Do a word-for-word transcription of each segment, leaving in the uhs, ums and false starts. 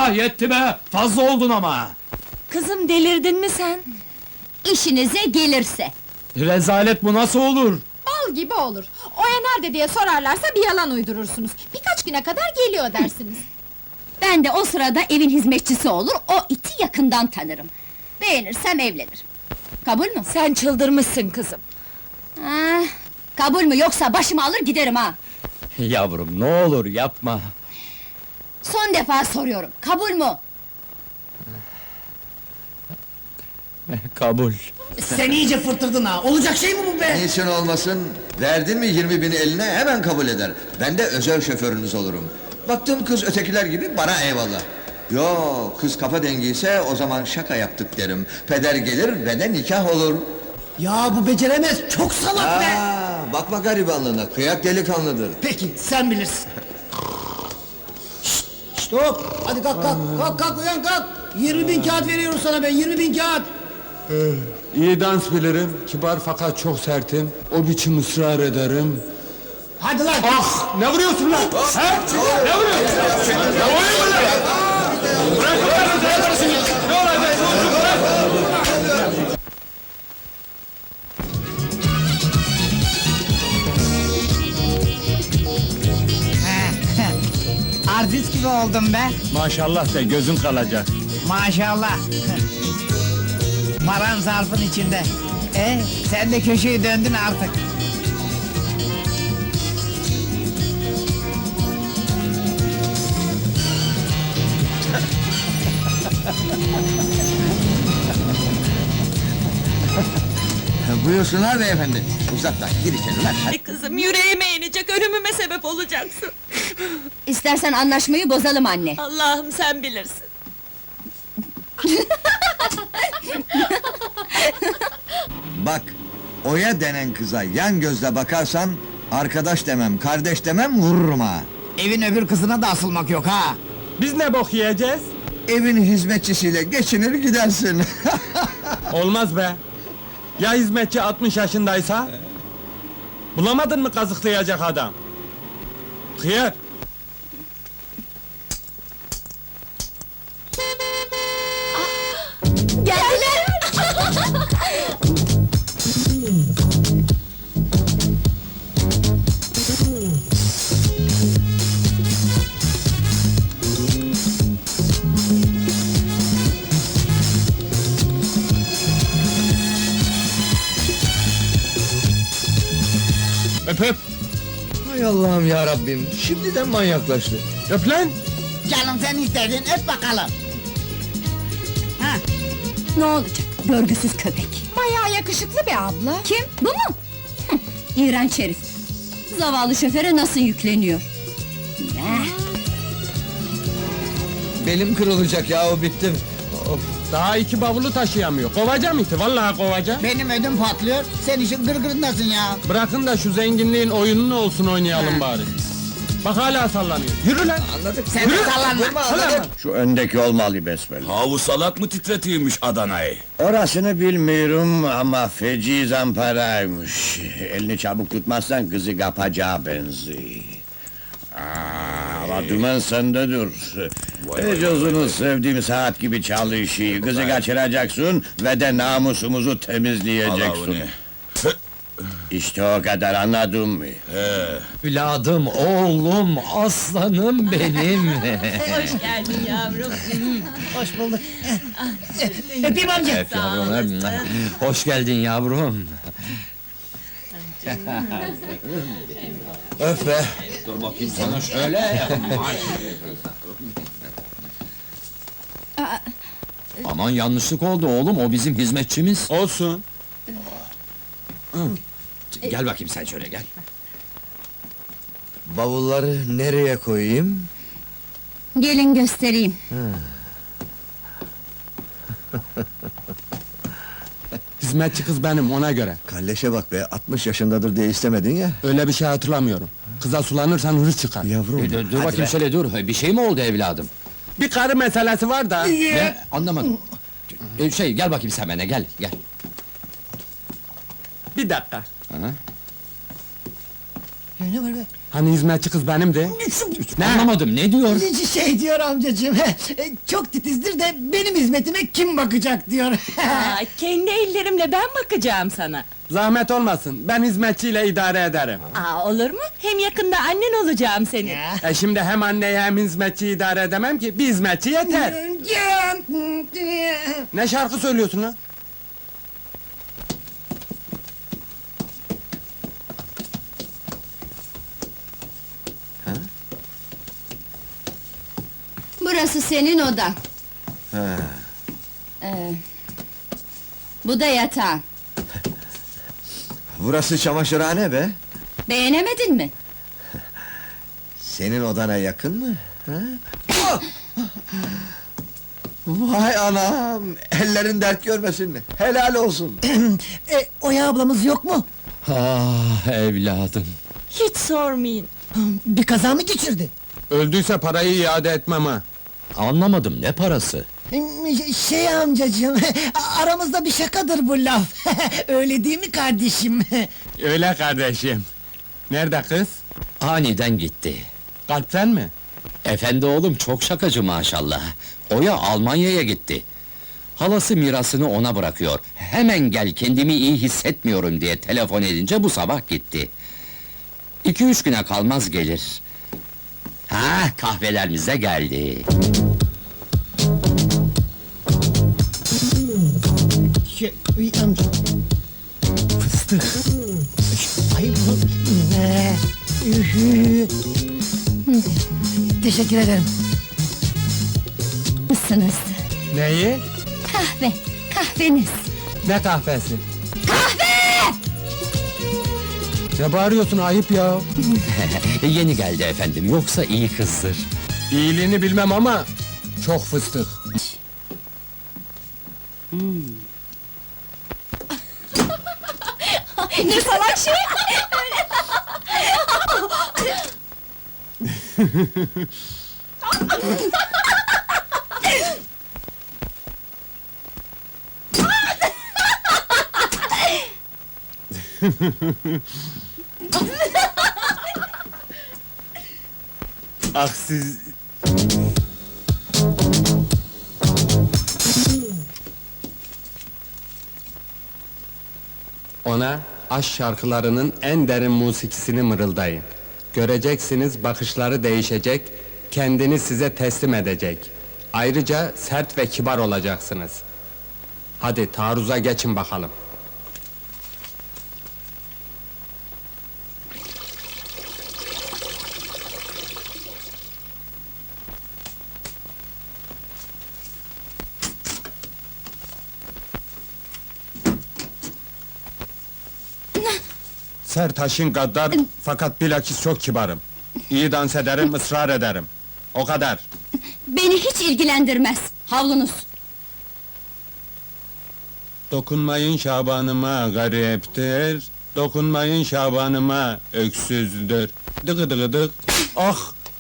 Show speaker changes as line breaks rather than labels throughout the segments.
Ah yetti be! Fazla oldun ama!
Kızım delirdin mi sen?
İşinize gelirse.
Rezalet bu nasıl olur?
Bal gibi olur. Oya nerede diye sorarlarsa bir yalan uydurursunuz. Birkaç güne kadar geliyor dersiniz.
Ben de o sırada evin hizmetçisi olur, o iti yakından tanırım. Beğenirsem evlenirim. Kabul mü?
Sen çıldırmışsın kızım.
Ah, kabul mü yoksa başımı alır giderim ha!
Yavrum ne olur yapma!
Son defa soruyorum, kabul mü?
Kabul!
Sen iyice fırtırdın ha, olacak şey mi bu be?
Niçin olmasın? Verdin mi yirmi bini eline hemen kabul eder. Ben de özel şoförünüz olurum. Baktım kız ötekiler gibi bana eyvallah. Yo, kız kafa dengiyse o zaman şaka yaptık derim. Peder gelir ve de nikah olur.
Ya bu beceremez, çok salak be!
Aa, bakma garibanlığına, kıyak delikanlıdır.
Peki, sen bilirsin. Şşt, şşt hop! Hadi kalk kalk, kalk kalk uyan kalk! Yirmi bin kağıt veriyorum sana ben, yirmi bin kağıt!
İyi dans bilirim, kibar fakat çok sertim. O biçim ısrar ederim.
Hadi lan!
Ah! Ne vuruyorsun lan? He? Ne vuruyorsun? Ne vuruyorsun lan? Bırak lan! Ne yapıyorsun ya? Ne olacak? Bırak!
Artist gibi oldum be.
Maşallah de gözün kalacak.
Maşallah. Paran zarfın içinde. E, sen de köşeyi döndün artık.
Buyursunlar beyefendi. Uzaktan, gir içeri lan. Hadi.
Ay kızım yüreğime inecek, ölümüme sebep olacaksın.
İstersen anlaşmayı bozalım anne.
Allah'ım sen bilirsin.
Bak, Oya denen kıza yan gözle bakarsan... ...arkadaş demem, kardeş demem, vururum ha!
Evin öbür kızına da asılmak yok ha.
Biz ne bok yiyeceğiz?
Evin hizmetçisiyle geçinir gidersin!
Olmaz be! Ya hizmetçi altmış yaşındaysa? Bulamadın mı kazıklayacak adam? Hıyar!
Geldiler!
Öp öp!
Hay Allah'ım ya Rabbim, şimdiden manyaklaştı!
Öp lan!
Canım sen istedin, öp bakalım. Ha,
Ne olacak, görgüsüz köpek!
Bayağı yakışıklı bir abla.
Kim, bu mu? Hıh, İğrenç herif! Zavallı şoföre nasıl yükleniyor? Eh,
Belim kırılacak ya, o bittim! Of.
Daha iki bavulu taşıyamıyor. Kovacağım iti, vallahi kovacağım.
benim ödüm patlıyor, sen işin gırgırındasın ya.
Bırakın da şu zenginliğin oyununu olsun oynayalım bari. Bak hala sallanıyor. Yürü lan!
Anladık!
Sen de sallanma.
Durma, anladık!
Şu öndeki olmalı besbelli.
Havu salak mı titretiyormuş Adana'yı?
Orasını bilmiyorum ama feci zamparaymış. Elini çabuk tutmazsan kızı kapacağı benziyor. Aa, ama dümen sende dur. Ecozunu sevdiğim saat gibi çalışıyor. Kızı kaçıracaksın ve de namusumuzu
Allah
temizleyeceksin.
onu.
İşte o kadar, anladın mı?
Evladım, oğlum, aslanım benim!
Hoş geldin yavrum.
Hoş bulduk. Öpeyim amca.
Yavrum, hoş geldin yavrum!
Öf be!
Dur bakayım sana şöyle.
Aman yanlışlık oldu oğlum, o bizim hizmetçimiz. Olsun. Gel bakayım sen şöyle gel.
Bavulları nereye koyayım?
gelin göstereyim.
Hizmetçi kız benim, ona göre.
Kalleşe bak be, altmış yaşındadır diye istemedin ya!
Öyle bir şey hatırlamıyorum. Kıza sulanırsan hırs çıkar.
Yavrum!
E, dur, dur
hadi
bakayım
be.
şöyle dur, bir şey mi oldu evladım?
Bir karı meselesi var da.
Ne? Anlamadım. E, şey, gel bakayım sen bana, gel, gel.
Bir dakika.
Aha.
Ne var be?
Hani hizmetçi kız benimdi?
Ne? Anlamadım, ne diyor?
Şey diyor amcacığım, çok titizdir de benim hizmetime kim bakacak diyor.
Aa, kendi ellerimle ben bakacağım sana.
Zahmet olmasın, ben hizmetçiyle idare ederim.
Aa, olur mu? Hem yakında annen olacağım senin.
Ya.
E şimdi hem anneyi hem hizmetçiyi idare edemem ki, bir hizmetçi yeter. Ne şarkı söylüyorsun lan?
Burası senin odan.
Ha.
Ee, bu da yatağın.
Burası çamaşırhane be.
Beğenemedin mi?
Senin odana yakın mı? Ha? Ah! Vay anam! Ellerin dert görmesin. Helal olsun.
e, Oya ablamız yok mu?
Ah evladım.
Hiç sormayın.
Bir kaza mı geçirdi?
Öldüyse parayı iade etmem ha.
Anlamadım, ne parası?
Şey amcacığım, aramızda bir şakadır bu laf. Öyle değil mi kardeşim?
Öyle kardeşim. Nerede kız?
Aniden gitti.
Kalpten mi?
Efendi oğlum çok şakacı maşallah. Oya Almanya'ya gitti. Halası mirasını ona bırakıyor. Hemen gel, kendimi iyi hissetmiyorum diye telefon edince bu sabah gitti. İki üç güne kalmaz gelir. Ha, kahvelerimiz de geldi.
Şey, uy, amca. Fıstık. Ay bu... Ne? Ühü. Teşekkür ederim.
Mısınız?
Neyi?
Kahve, kahveniz.
Ne kahvesi? Kahve! Ne bağırıyorsun, ayıp ya.
Yeni geldi efendim, yoksa iyi kızdır.
İyiliğini bilmem ama çok fıstık.
Ne salak şey!
Ah siz... Ona aşk şarkılarının en derin musikisini mırıldayın. Göreceksiniz bakışları değişecek, kendini size teslim edecek. Ayrıca sert ve kibar olacaksınız. Hadi taarruza geçin bakalım. Sertaş'ın gaddar fakat bilakis çok kibarım. İyi dans ederim, ısrar ederim. O kadar.
Beni hiç ilgilendirmez. Havlunuz.
Dokunmayın Şabanıma gariptir. Dokunmayın Şabanıma öksüzdür. Dıgı dıgı dık. Ah!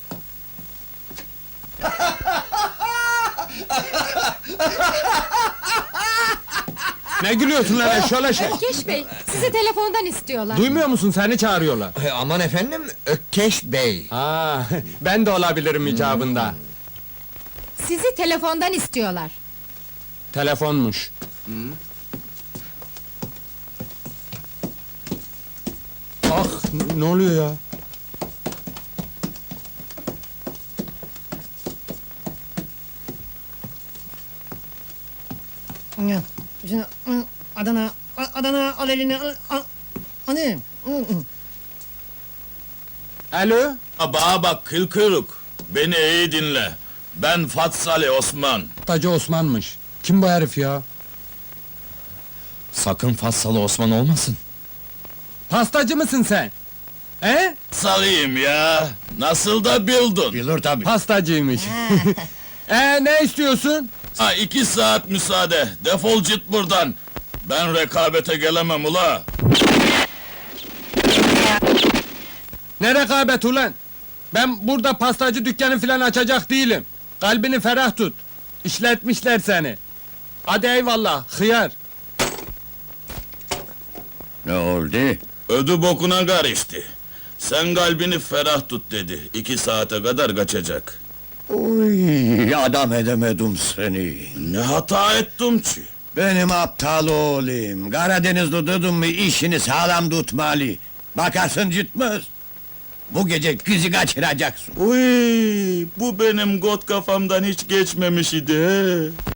Ne gülüyorsun lan eşşoğlu şey?
Ökkeş Bey, sizi telefondan istiyorlar.
Duymuyor musun, seni çağırıyorlar.
E, aman efendim, Ökkeş Bey.
Ha, ben de olabilirim icabında.
Sizi telefondan istiyorlar.
Telefonmuş. Ah, n- ne oluyor ya?
Ya, şimdi, Adana, Adana al elini, al, al. Hani?
Alo?
Bana bak kıl kırık. Beni iyi dinle. Ben Fatsali Osman.
Tacı Osman'mış. Kim bu herif ya?
Sakın Fassalı Osman olmasın.
Pastacı mısın sen? He?
Salıyım ya. Nasıl da bildin.
Bilir tabii.
Pastacıymış. Ee, ne istiyorsun?
Ha, iki saat müsaade. Defol git buradan. Ben rekabete gelemem ula.
Ne rekabet ulan? Ben burada pastacı dükkanı filan açacak değilim. Kalbini ferah tut. İşletmişler seni. Hadi eyvallah, hıyar.
Ne oldu?
Ödü bokuna karıştı. Sen kalbini ferah tut dedi. İki saate kadar kaçacak.
Uy, adam edemedim seni.
Ne hata ettim ki?
Benim aptal oğlum. Karadenizli dedim mi işini sağlam tutmalı. Bakarsın gitmez. Bu gece kızı kaçıracaksın.
Uy, bu benim got kafamdan hiç geçmemiş idi. he.